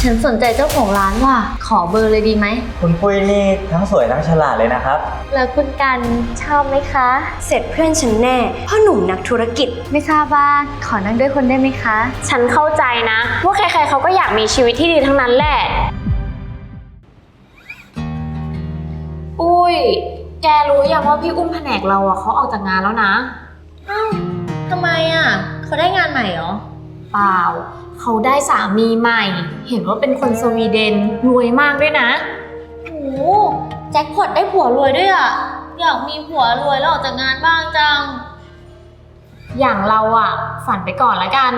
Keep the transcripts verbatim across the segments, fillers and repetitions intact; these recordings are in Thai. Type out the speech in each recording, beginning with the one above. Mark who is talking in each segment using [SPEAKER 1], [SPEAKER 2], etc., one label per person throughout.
[SPEAKER 1] ฉันสนใจเจ้าของร้านว่ะขอเบอร์เลยดีไหม
[SPEAKER 2] คุณปุ้ยนี่ทั้งสวยทั้งฉลาดเลยนะครับ
[SPEAKER 1] แล้วคุณกันชอบไหมคะ
[SPEAKER 3] เสร็จเพื่อนฉันแน่พ่อหนุ่มนักธุรกิจ
[SPEAKER 1] ไม่ทราบว่าขอนั่งด้วยคนได้ไหมคะ
[SPEAKER 4] ฉันเข้าใจนะว่าใครๆเขาก็อยากมีชีวิตที่ดีทั้งนั้นแหละอุ้ยแกรู้ยังว่าพี่อุ้มแผนกเราอะเขาออกจากงานแล้วนะ
[SPEAKER 1] อ้าวทำไมอะเขาได้งานใหม่เหรอ
[SPEAKER 4] เปล่าเขาได้สามีใหม่เห็นว่าเป็นคนสวีเดนรวยมากด้วยนะ
[SPEAKER 1] โอ้แจ็คพอตได้ผัวรวยด้วยอะอยากมีผัวรวยแล้วออกจากงานบ้างจัง
[SPEAKER 4] อย่างเราอะฝันไปก่อนละกัน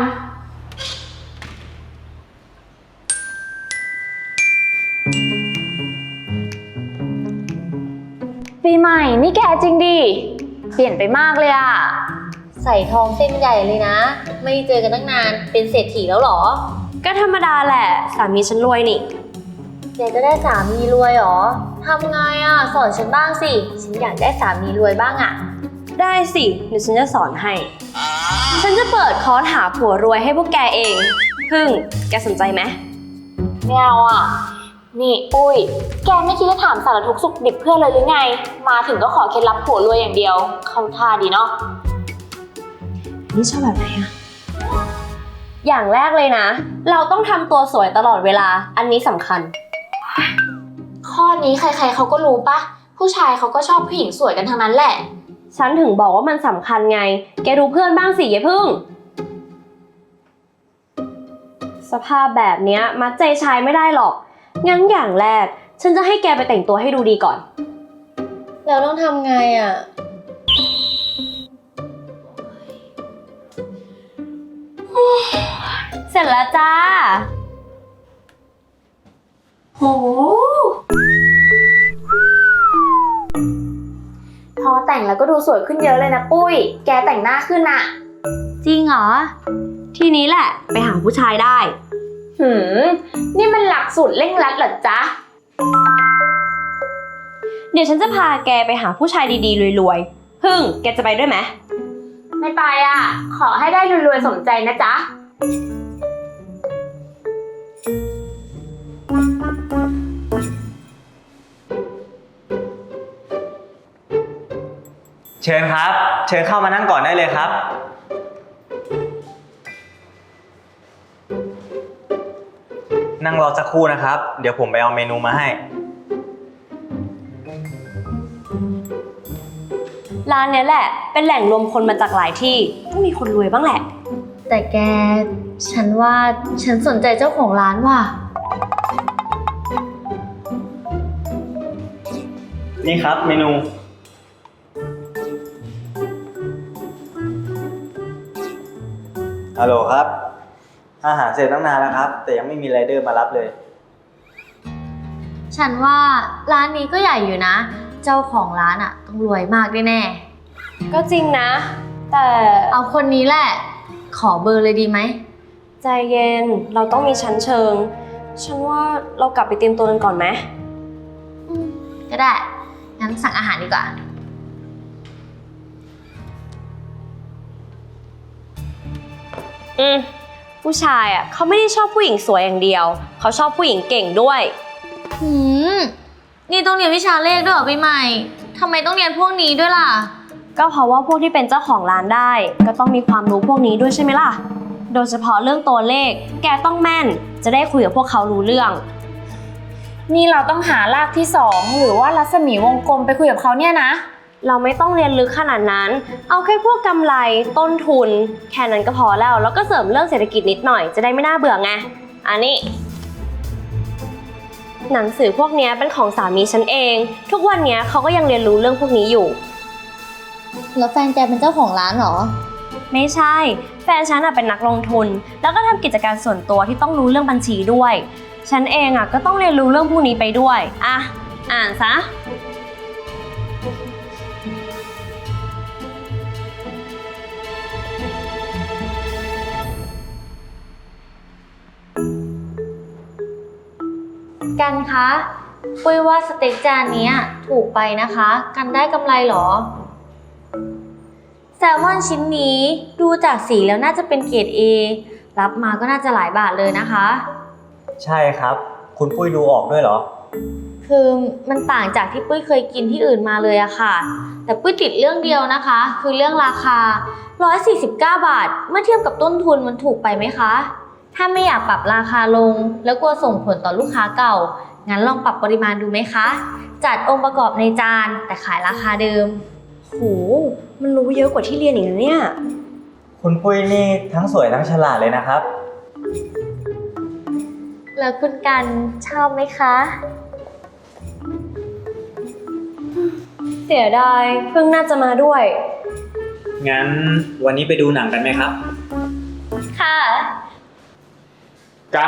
[SPEAKER 4] ปีใหม่นี่แกจริงดิเปลี่ยนไปมากเลยอะ
[SPEAKER 1] ใส่ทองเส้นใหญ่เลยนะไม่เจอกันตั้งนานเป็นเศรษฐีแล้วหรอ
[SPEAKER 3] ก็ธรรมดาแหละสามีฉันรวยนี่
[SPEAKER 1] แกก็ได้สามีรวยหรอทำไงอะสอนฉันบ้างสิฉันอยากได้สามีรวยบ้างอะ
[SPEAKER 3] ได้สิเดี๋ยวฉันจะสอนให้ฉันจะเปิดคอร์สหาผัวรวยให้พวกแกเองพึ่งแกสนใจไหม
[SPEAKER 4] ไม่เอาอ่ะนี่ปุ้ยแกไม่คิดจะถามสารทุกข์สุขดิบเพื่อนเลยหรือไงมาถึงก็ขอเคล็ดลับผัวรวยอย่างเดียวเข้าท่าดีเนาะ
[SPEAKER 3] นี่ชอบแบบไหนอะอย่างแรกเลยนะเราต้องทำตัวสวยตลอดเวลาอันนี้สำคัญ
[SPEAKER 4] ข้อนี้ใครๆเขาก็รู้ปะผู้ชายเขาก็ชอบผู้หญิงสวยกันทั้งนั้นแหละ
[SPEAKER 3] ฉันถึงบอกว่ามันสำคัญไงแกดูเพื่อนบ้างสิยายพึ่งสภาพแบบเนี้ยมัดใจชายไม่ได้หรอกงั้นอย่างแรกฉันจะให้แกไปแต่งตัวให้ดูดีก่อน
[SPEAKER 1] แล้วต้องทำไงอ่ะ
[SPEAKER 3] เสร็จแล้วจ้า
[SPEAKER 4] โหพอแต่งแล้วก็ดูสวยขึ้นเยอะเลยนะปุ้ยแกแต่งหน้าขึ้นอะ
[SPEAKER 1] จริงเหรอ
[SPEAKER 3] ทีนี้แหละไปหาผู้ชายได้
[SPEAKER 4] หืมนี่มันหลักสูตรเร่งรัดเหรอจ๊ะ
[SPEAKER 3] เดี๋ยวฉันจะพาแกไปหาผู้ชายดีๆรวยๆพึ่งแกจะไปด้วยไหม
[SPEAKER 4] ไม่ไปอ่ะขอให้ได้รวยๆสมใจนะจ๊ะ
[SPEAKER 2] เชิญครับเชิญเข้ามานั่งก่อนได้เลยครับนั่งรอสักครู่นะครับเดี๋ยวผมไปเอาเมนูมาให้
[SPEAKER 3] ร้านนี้แหละเป็นแหล่งรวมคนมาจากหลายที่ต้องมีคนรวยบ้างแหละ
[SPEAKER 1] แต่แกฉันว่าฉันสนใจเจ้าของร้านว่ะ
[SPEAKER 2] นี่ครับเมนูฮัลโหลครับอาหารเสร็จตั้งนานแล้วครับแต่ยังไม่มีไรเดอร์มารับเลย
[SPEAKER 1] ฉันว่าร้านนี้ก็ใหญ่อยู่นะเจ้าของร้านอ่ะต้องรวยมากแน่
[SPEAKER 3] ๆก็จริงนะแต่
[SPEAKER 1] เอาคนนี้แหละขอเบอร์เลยดีไหม
[SPEAKER 3] ใจเย็นเราต้องมีชั้นเชิงฉันว่าเรากลับไปเตรียมตัวกันก่อนไหม
[SPEAKER 1] ก็ได้งั้นสั่งอาหารดีกว่า
[SPEAKER 3] อืมผู้ชายอ่ะเขาไม่ได้ชอบผู้หญิงสวยอย่างเดียวเขาชอบผู้หญิงเก่งด้วย
[SPEAKER 1] หืมนี่ต้องเรียนวิชาเลขด้วยเหรอปีใหม่ทำไมต้องเรียนพวกนี้ด้วยล่ะ
[SPEAKER 3] ก็เพราะว่าพวกที่เป็นเจ้าของร้านได้ก็ต้องมีความรู้พวกนี้ด้วยใช่ไหมล่ะโดยเฉพาะเรื่องตัวเลขแกต้องแม่นจะได้คุยกับพวกเขารู้เรื่อง
[SPEAKER 4] นี่เราต้องหารากที่สองหรือว่ารัศมีวงกลมไปคุยกับเขาเนี่ยนะ
[SPEAKER 3] เราไม่ต้องเรียนลึกขนาดนั้นเอาแค่พวกกำไรต้นทุนแค่นั้นก็พอแล้วแล้วก็เสริมเรื่องเศรษฐกิจนิดหน่อยจะได้ไม่น่าเบื่อไงอันนี้หนังสือพวกนี้เป็นของสามีฉันเองทุกวันนี้เขาก็ยังเรียนรู้เรื่องพวกนี้อยู่
[SPEAKER 1] แล้วแฟนแกเป็นเจ้าของร้านเหรอ
[SPEAKER 3] ไม่ใช่แฟนฉันเป็นนักลงทุนแล้วก็ทำกิจการส่วนตัวที่ต้องรู้เรื่องบัญชีด้วยฉันเองอ่ะก็ต้องเรียนรู้เรื่องพวกนี้ไปด้วยอ่ะอ่านซะ
[SPEAKER 1] กันคะปุ้ยว่าสเต็กจานนี้ถูกไปนะคะกันได้กำไรหรอแซลมอนชิ้นนี้ดูจากสีแล้วน่าจะเป็นเกรด เอ รับมาก็น่าจะหลายบาทเลยนะคะ
[SPEAKER 2] ใช่ครับ คุณปุ้ยดูออกด้วยเหรอ
[SPEAKER 1] คือมันต่างจากที่ปุ้ยเคยกินที่อื่นมาเลยอะค่ะ แต่ปุ้ยติดเรื่องเดียวนะคะ คือเรื่องราคาหนึ่งร้อยสี่สิบเก้าบาท เมื่อเทียบกับต้นทุนมันถูกไปไหมคะ ถ้าไม่อยากปรับราคาลง แล้วกลัวส่งผลต่อลูกค้าเก่า งั้นลองปรับปริมาณดูไหมคะ จัดองค์ประกอบในจานแต่ขายราคาเดิม
[SPEAKER 3] โห มันรู้เยอะกว่าที่เรียนอีกนะเนี่ย
[SPEAKER 2] คุณปุ้ยนี่ทั้งสวยทั้งฉลาดเลยนะครับ
[SPEAKER 1] แล้วคุณกันชอบไหมคะ
[SPEAKER 3] เสียดายเพิ่งน่าจะมาด้วย
[SPEAKER 2] งั้นวันนี้ไปดูหนังกันไหมครับ
[SPEAKER 1] ค่ะ
[SPEAKER 5] กัน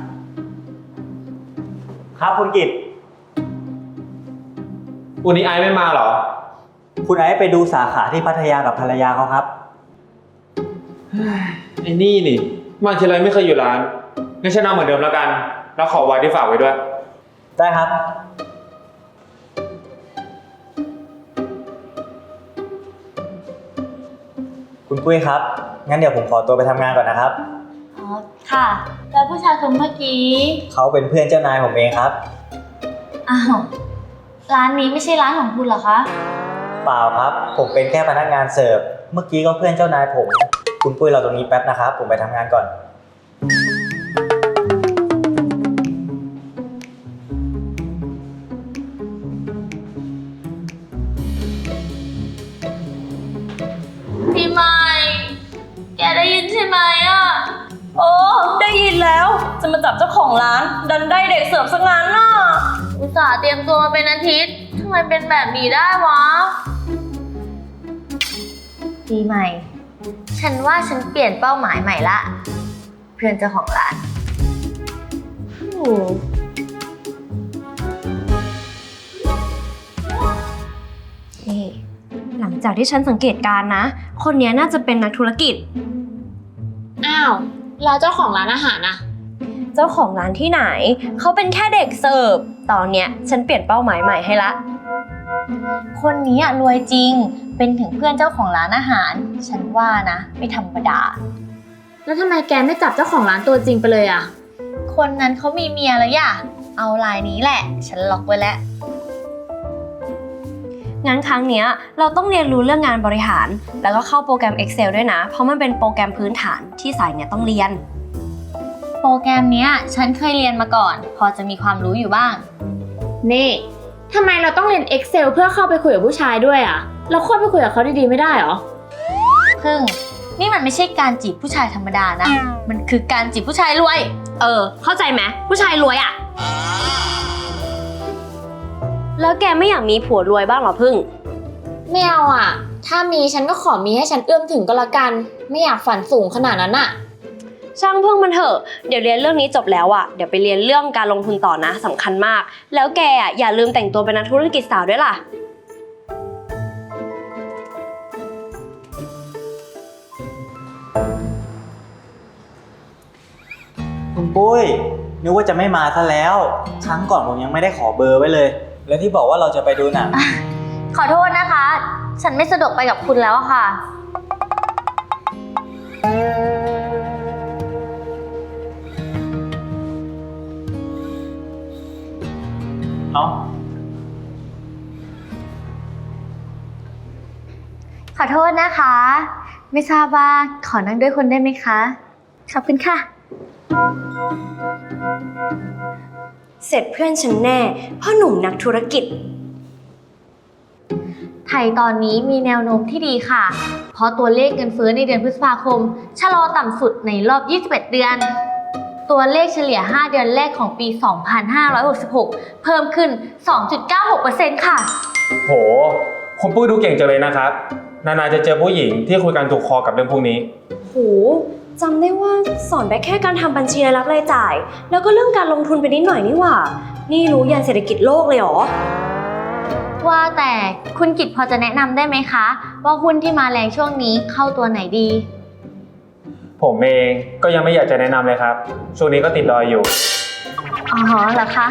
[SPEAKER 2] ครับคุณกิต
[SPEAKER 5] วันนี้ไอซ์ไม่มาเหรอ
[SPEAKER 2] คุณไอซ์ไปดูสาขาที่พัทยากับภรรยาเขาครับ
[SPEAKER 5] ไอ้นี่นี่มาทีไรไม่เคยอยู่ร้านงั้นฉันเอาเหมือนเดิมแล้วกัน แล้วขอไว้ที่ฝากไว้ด้วย
[SPEAKER 2] ได้ครับ คุณปุ้ยครับ งั้นเดี๋ยวผมขอตัวไปทำงานก่อนนะครับ
[SPEAKER 1] อ๋อ ค่ะ แล้วผู้ชายคนเมื่อกี้
[SPEAKER 2] เขาเป็นเพื่อนเจ้านายผมเองครับ
[SPEAKER 1] อ้าว ร้านนี้ไม่ใช่ร้านของคุณเหรอคะ
[SPEAKER 2] เปล่าครับ ผมเป็นแค่พนักงานเสิร์ฟ เมื่อกี้ก็เพื่อนเจ้านายผม คุณปุ้ยเราตรงนี้แป๊บนะครับ ผมไปทำงานก่อน
[SPEAKER 1] พี่ใหม่ แกได้ยินใช่ไหมอ่ะ
[SPEAKER 3] โอ้ ได้ยินแล้ว จะมาจับเจ้าของร้าน ดันได้เด็กเสิร์ฟซะงั้นน่ะ
[SPEAKER 1] อุตส่าห์เตรียมตัวมาเป็นอาทิตย์ทำไมเป็นแบบนี้ได้วะ ปีใหม่ ฉันว่าฉันเปลี่ยนเป้าหมายใหม่ละ เพื่อนเจ้าของร้าน
[SPEAKER 3] อืมนี่หลังจากที่ฉันสังเกตการณ์นะ คนนี้น่าจะเป็นนักธุรกิจ
[SPEAKER 4] อ้าว แล้วเจ้าของร้านอาหารนะ
[SPEAKER 3] เจ้าของร้านที่ไหน เขาเป็นแค่เด็กเสิร์ฟ ตอนเนี้ยฉันเปลี่ยนเป้าหมายใหม่ให้ละ
[SPEAKER 1] คนนี้อะรวยจริง เป็นถึงเพื่อนเจ้าของร้านอาหาร ฉันว่านะ ไม่ธรรมดา
[SPEAKER 4] แล้วทำไมแกไม่จับเจ้าของร้านตัวจริงไปเลยอ่ะ
[SPEAKER 1] คนนั้นเขามีเมียแล้วย่ะ เอาลายนี้แหละ ฉันล็อกไว้แล้ว
[SPEAKER 3] งั้นครั้งเนี้ยเราต้องเรียนรู้เรื่องงานบริหาร แล้วก็เข้าโปรแกรม Excel ด้วยนะ เพราะมันเป็นโปรแกรมพื้นฐานที่สายเนี่ยต้องเรียน
[SPEAKER 1] โปรแกรมเนี้ยฉันเคยเรียนมาก่อน พอจะมีความรู้อยู่บ้าง
[SPEAKER 4] นี่ทำไมเราต้องเรียน Excel เพื่อเข้าไปคุยกับผู้ชายด้วยอ่ะ เราควรไปคุยกับเขาดีๆไม่ได้เหรอ
[SPEAKER 1] พึ่ง นี่มันไม่ใช่การจีบผู้ชายธรรมดานะ มันคือการจีบผู้ชายรวย
[SPEAKER 3] เออ เข้าใจไหมผู้ชายรวยอะแล้วแกไม่อยากมีผัวรวยบ้างเหรอพึ่ง
[SPEAKER 4] ไม่เอาอ่ะ ถ้ามีฉันก็ขอมีให้ฉันเอื้อมถึงก็แล้วกัน ไม่อยากฝันสูงขนาดนั้นอ่ะ
[SPEAKER 3] ช่างพึ่งมันเถอะ เดี๋ยวเรียนเรื่องนี้จบแล้วอะเดี๋ยวไปเรียนเรื่องการลงทุนต่อนะสำคัญมาก แล้วแกอะอย่าลืมแต่งตัวเป็นนักธุรกิจสาวด้วยล่ะ
[SPEAKER 2] คุณปุ้ยนึกว่าจะไม่มาซะแล้ว ครั้งก่อนผมยังไม่ได้ขอเบอร์ไว้เลย แล้วที่บอกว่าเราจะไปดูหนัง
[SPEAKER 1] ขอโทษนะคะ ฉันไม่สะดวกไปกับคุณแล้วอะค่ะ
[SPEAKER 2] เอ้า
[SPEAKER 1] ขอโทษนะคะ ไม่ทราบว่าขอนั่งด้วยคนได้ไหมคะ ขอบคุณค่ะ
[SPEAKER 3] เสร็จเพื่อนฉันแน่พ่อหนุ่มนักธุรกิจ
[SPEAKER 1] ไทยตอนนี้มีแนวโน้มที่ดีค่ะ เพราะตัวเลขเงินเฟ้อในเดือนพฤษภาคมชะลอต่ำสุดในรอบ ยี่สิบเอ็ด เดือน ตัวเลขเฉลี่ย ห้า เดือนแรกของปี สองพันห้าร้อยหกสิบหก เพิ่มขึ้น สองจุดเก้าหกเปอร์เซ็นต์ ค่ะ
[SPEAKER 5] โห คุณปุ้ยดูเก่งจังเลยนะครับ นานๆจะเจอผู้หญิงที่คุยกันถูกคอกับเรื่องพวกนี้
[SPEAKER 3] โหจำได้ว่าสอนไปแค่การทำบัญชีรายรับรายจ่าย แล้วก็เรื่องการลงทุนไปนิดหน่อยนี่หว่า นี่รู้ยันเศรษฐกิจโลกเลยเหรอ
[SPEAKER 1] ว่าแต่คุณกิตพอจะแนะนำได้ไหมคะ ว่าหุ้นที่มาแรงช่วงนี้เข้าตัวไหนดี
[SPEAKER 5] ผมเองก็ยังไม่อยากจะแนะนำเลยครับ ช่วงนี้ก็ติดดอยอยู่
[SPEAKER 1] อ๋อเหรอคะ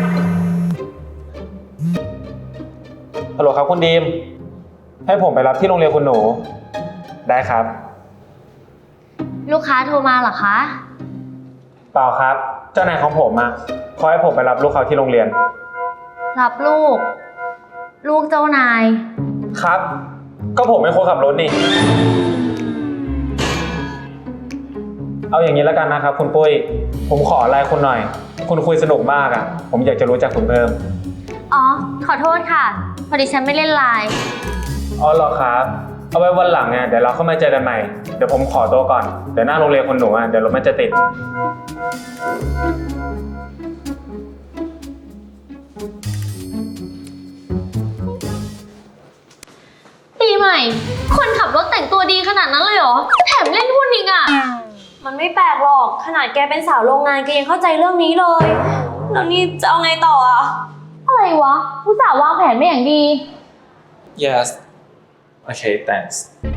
[SPEAKER 5] ฮัลโหลครับคุณดีม ให้ผมไปรับที่โรงเรียนคุณหนู ได้ครับ
[SPEAKER 1] ลูกค้าโทรมาเหรอคะ
[SPEAKER 5] เปล่าครับเจ้านายของผมอะเขาให้ผมไปรับลูกเขาที่โรงเรียน
[SPEAKER 1] รับลูก ลูกเจ้านาย
[SPEAKER 5] ครับ ก็ผมเป็นคนขับรถนี่ เอาอย่างนี้แล้วกันนะครับคุณปุ้ย ผมขอไลน์คุณหน่อย คุณคุยสนุกมากอะผมอยากจะรู้จักคุณเพิ่ม
[SPEAKER 1] อ๋อ ขอโทษค่ะ พอดีฉันไม่เล่นไลน์
[SPEAKER 5] อ๋อเหรอครับ เอาไว้วันหลังไงเดี๋ยวเราเข้ามาเจอกันใหม่ เดี๋ยวผมขอตัวก่อน เดี๋ยวหน้าโรงเรียนคนหนูอ่ะเดี๋ยวรถมันจะติด
[SPEAKER 1] ปีใหม่ คนขับรถแต่งตัวดีขนาดนั้นเลยเหรอ แถมเล่นหุ้นอีกอ่ะ
[SPEAKER 3] มันไม่แปลกหรอก ขนาดแกเป็นสาวโรงงานแกยังเข้าใจเรื่องนี้เลย แล้วนี่จะเอาไงต่ออ่ะ
[SPEAKER 1] อะไรวะผู้สาววางแผนไม่อย่างดี
[SPEAKER 5] yes okay thanks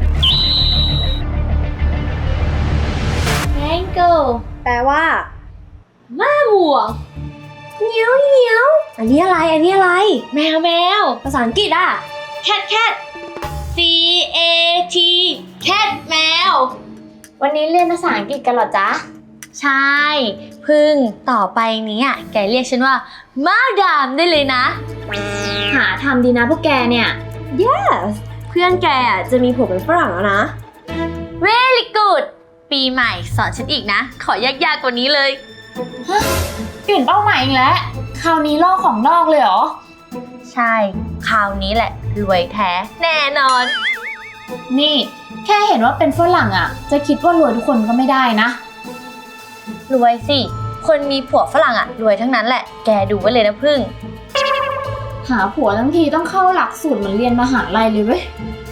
[SPEAKER 1] Mango
[SPEAKER 3] แปลว่า
[SPEAKER 1] ม้าบัว
[SPEAKER 3] เงี้ยวเงี้ยวอันนี้อะไร อันนี้อะไร
[SPEAKER 1] แมวแมว
[SPEAKER 3] ภาษาอังกฤษอ่ะ
[SPEAKER 1] cat cat C A T cat แมว
[SPEAKER 4] วันนี้เรียนภาษาอังกฤษกันเหรอจ๊ะ
[SPEAKER 1] ใช่ พึ่งต่อไปนี้อ่ะแกเรียกฉันว่ามาดามได้เลยนะ
[SPEAKER 4] หาทำดีนะพวกแกเนี่ย
[SPEAKER 3] yes เพื่อนแกอ่ะจะมีผัวเป็นฝรั่งแล้วนะ
[SPEAKER 1] Very good ปีใหม่สอนฉันอีกนะ ขอยากๆกว่านี้เลย
[SPEAKER 4] เปลี่ยนเป้าหมายอีกแล้ว คราวนี้ลอกของนอกเลยเหรอ
[SPEAKER 1] ใช่ คราวนี้แหละ รวยแท้ แน่นอน
[SPEAKER 4] นี่แค่เห็นว่าเป็นฝรั่งอ่ะ จะคิดว่ารวยทุกคนก็ไม่ได้นะ
[SPEAKER 1] รวยสิ คนมีผัวฝรั่งอ่ะ รวยทั้งนั้นแหละ แกดูไว้เลยนะพึ่ง
[SPEAKER 4] หาผัวทั้งทีต้องเข้าหลักสูตรเหมือนเรียนมหาลัยเลยเว้ย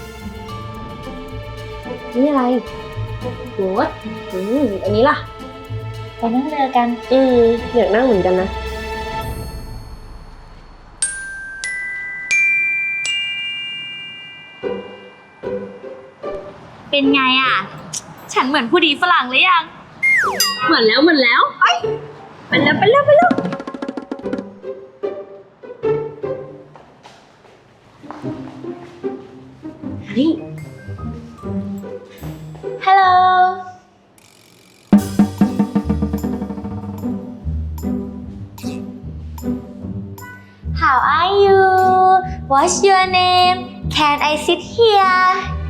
[SPEAKER 3] นี่อะไรโหดอืมอันนี้ล่ะ
[SPEAKER 1] ไปนั่งเรือกัน
[SPEAKER 3] อืมอยากนั่งเหมือนกันนะ
[SPEAKER 1] เป็นไงอ่ะ ฉันเหมือนผู้ดีฝรั่งหรือยัง เหมือนแล้วเหมือนแล้วไปไปแล้วไปแล้วไปแล้วนี่ Hello How are you What's your name Can I sit here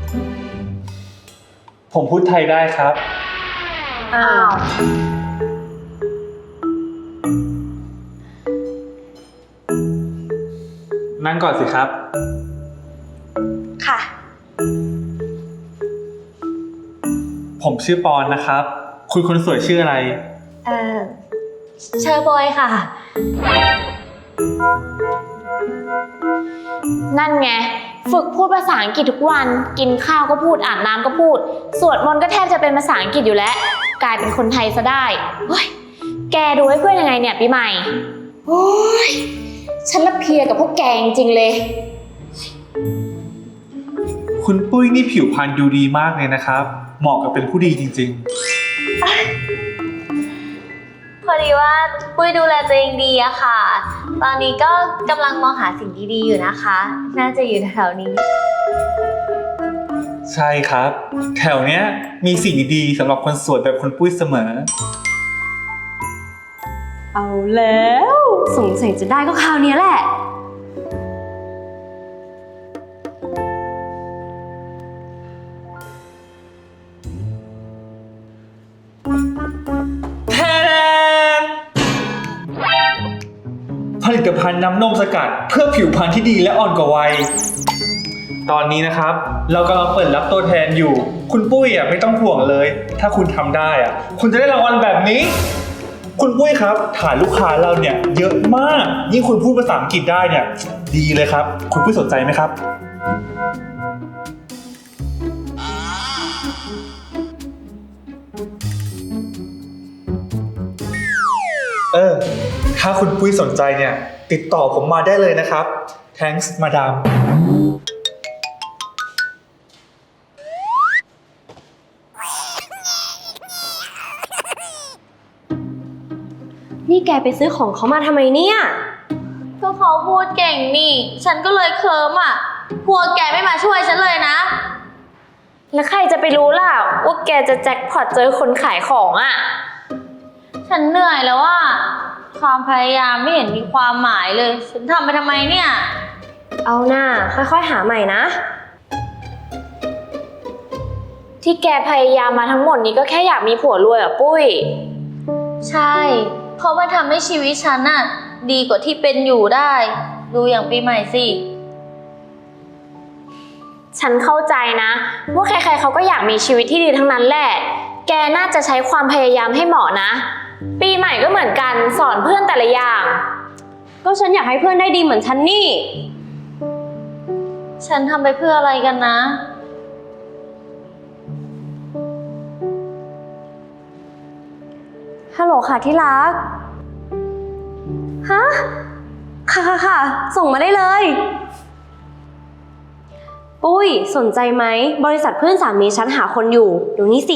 [SPEAKER 5] ผมพูดไทยได้ครับ
[SPEAKER 3] อ้าว
[SPEAKER 5] นั่งก่อนสิครับ
[SPEAKER 1] ค่ะ
[SPEAKER 5] ผมชื่อปอนนะครับ คุณคนสวยชื่ออะไร
[SPEAKER 1] เอ่อเชอร์บอยค่ะ
[SPEAKER 4] นั่นไง ฝึกพูดภาษาอังกฤษทุกวัน กินข้าวก็พูดอาบน้ำก็พูด สวดมนต์ก็แทบจะเป็นภาษาอังกฤษอยู่แล้ว กลายเป็นคนไทยซะได้เฮ้ยแกดูให้เพื่อนยังไงเนี่ยปีใหม่โอ้ยฉันละเพลียกับพวกแกจริงๆเลย
[SPEAKER 5] คุณปุ้ยนี่ผิวพรรณดูดีมากเลยนะครับ เหมาะกับเป็นผู้ดีจริง
[SPEAKER 1] พอดีว่าปุ้ยดูแลตัวเองดีอะค่ะ ตอนนี้ก็กำลังมองหาสิ่งดีๆอยู่นะคะ น่าจะอยู่แถวๆนี้
[SPEAKER 5] ๆ ใช่ครับ แถวเนี้ยมีสิ่งดีๆสำหรับคนสวยแบบคุณปุ้ยเสมอ
[SPEAKER 3] เอาแล้วสงสัยจะได้ก็คราวนี้แหละ
[SPEAKER 5] แทนผลิตภัณฑ์น้ำนมสกัดเพื่อผิวพรรณที่ดีและอ่อนกว่าวัย ตอนนี้นะครับ เรากำลังเปิดรับตัวแทนอยู่ คุณปุ้ยอ่ะไม่ต้องห่วงเลย ถ้าคุณทำได้อ่ะคุณจะได้รางวัลแบบนี้ คุณปุ้ยครับฐานลูกค้าเราเนี่ยเยอะมาก ยิ่งคุณพูดภาษาอังกฤษได้เนี่ยดีเลยครับ คุณปุ้ยสนใจไหมครับ เออ ถ้าคุณปุ้ยสนใจเนี่ยติดต่อผมมาได้เลยนะครับ thanks มาดาม
[SPEAKER 3] นี่แกไปซื้อของเขามาทำไมเนี่ย
[SPEAKER 1] ก็เขาพูดเก่งนี่ ฉันก็เลยเคิร์มอ่ะ พวกแกไม่มาช่วยฉันเลยนะ
[SPEAKER 4] แล้วใครจะไปรู้ล่ะว่าแกจะแจ็คพอตเจอคนขายของอ่ะ
[SPEAKER 1] ฉฉันเหนื่อยแล้วว่าความพยายามไม่เห็นมีความหมายเลย ฉันทำไปทำไมเนี่ย
[SPEAKER 3] เอาหน้าค่อยๆหาใหม่นะ
[SPEAKER 4] ที่แกพยายามมาทั้งหมดนี้ก็แค่อยากมีผัวรวยเหรอปุ้ย
[SPEAKER 1] ใช่ เพราะมันทำให้ชีวิตฉันน่ะดีกว่าที่เป็นอยู่ได้ ดูอย่างปีใหม่สิ
[SPEAKER 4] ฉันเข้าใจนะว่าใครๆเขาก็อยากมีชีวิตที่ดีทั้งนั้นแหละ แกน่าจะใช้ความพยายามให้เหมาะนะ ปีใหม่ก็เหมือนกันสอนเพื่อนแต่ละอย่าง
[SPEAKER 3] ก็ฉันอยากให้เพื่อนได้ดีเหมือนฉันนี่
[SPEAKER 1] ฉันทำไปเพื่ออะไรกันนะ
[SPEAKER 3] ฮัลโหลค่ะที่รัก ฮะ ค่ะค่ะค่ะ ส่งมาได้เลย ปุ้ยสนใจไหม บริษัทเพื่อนสามีฉันหาคนอยู่เดี๋ยวนี้สิ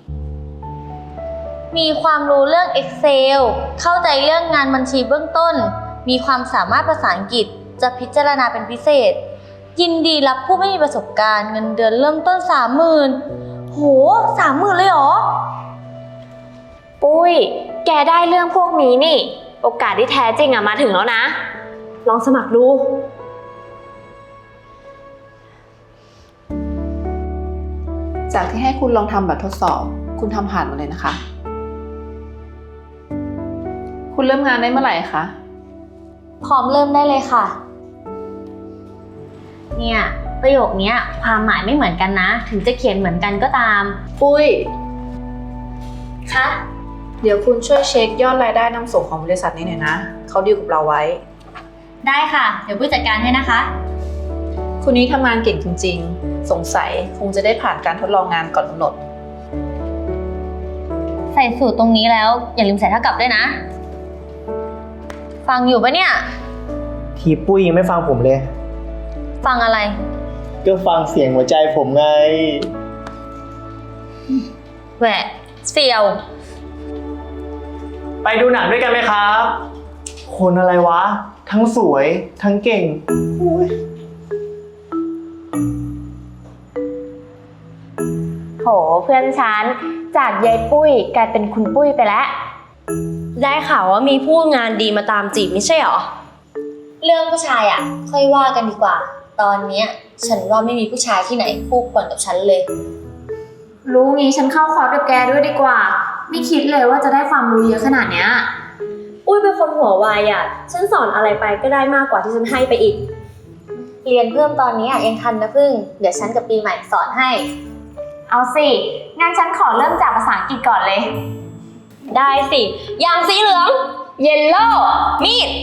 [SPEAKER 1] มีความรู้เรื่อง Excel เข้าใจเรื่องงานบัญชีเบื้องต้น มีความสามารถภาษาอังกฤษ จะพิจารณาเป็นพิเศษ ยินดีรับผู้ไม่มีประสบการณ์เงินเดือนเริ่มต้นสามหมื่นโหสามหมื่นเลยเหรอ
[SPEAKER 4] ปุ้ย แกได้เรื่องพวกนี้นี่ โอกาสที่แท้จริงอะมาถึงแล้วนะ
[SPEAKER 3] ลองสมัครดู
[SPEAKER 6] จากที่ให้คุณลองทำแบบทดสอบ คุณทำผ่านมาเลยนะคะ คุณเริ่มงานได้เมื่อไหร่คะ
[SPEAKER 1] พร้อมเริ่มได้เลยค่ะ เนี่ยประโยคเนี้ยความหมายไม่เหมือนกันนะ ถึงจะเขียนเหมือนกันก็ตาม
[SPEAKER 6] ปุ้ย
[SPEAKER 1] คะ
[SPEAKER 6] เดี๋ยวคุณช่วยเช็คยอดรายได้นำส่งของบริษัทนี้หน่อยนะ เขาดีลกับเราไว้
[SPEAKER 1] ได้ค่ะ เดี๋ยวผู้จัดการให้นะคะ
[SPEAKER 6] คุณนี้ทำงานเก่งจริงๆ สงสัยคงจะได้ผ่านการทดลองงานก่อนกำหนด
[SPEAKER 1] ใส่สูตรตรงนี้แล้วอย่าลืมใส่เท่ากับด้วยนะ ฟังอยู่ปะเนี่ย
[SPEAKER 7] ทีปุ้ยยังไม่ฟังผมเลย
[SPEAKER 1] ฟังอะไร
[SPEAKER 7] ก็ฟังเสียงหัวใจผมไง
[SPEAKER 1] แหวะเสียว
[SPEAKER 7] ไปดูหนังด้วยกันไหมครับ คนอะไรวะ ทั้งสวย ทั้งเก่งอุ๊ย
[SPEAKER 4] โหเพื่อนฉัน จากยายปุ้ยกลายเป็นคุณปุ้ยไปแล้ว
[SPEAKER 3] ได้ข่าวว่ามีผู้งานดีมาตามจีบไม่ใช่เหรอ
[SPEAKER 1] เรื่องผู้ชายอ่ะ ค่อยว่ากันดีกว่า ตอนเนี้ยฉันว่าไม่มีผู้ชายที่ไหนคู่ควรกับฉันเลย
[SPEAKER 4] รู้งี้ฉันเข้าคอร์สกับแกด้วยดีกว่า ไม่คิดเลยว่าจะได้ความรู้เยอะขนาดเนี้ย
[SPEAKER 3] อุ้ยเป็นคนหัวไวอ่ะ ฉันสอนอะไรไปก็ได้มากกว่าที่ฉันให้ไปอีก
[SPEAKER 1] เรียนเพิ่มตอนนี้อ่ะยังทันนะพึ่ง เดี๋ยวฉันกับปีใหม่สอนให้
[SPEAKER 4] เอาสิงั้นฉันขอเริ่มจากภาษาอังกฤษก่อนเลย
[SPEAKER 3] ได้สิ อย่างสีเหลือง
[SPEAKER 4] Yellow
[SPEAKER 3] มีด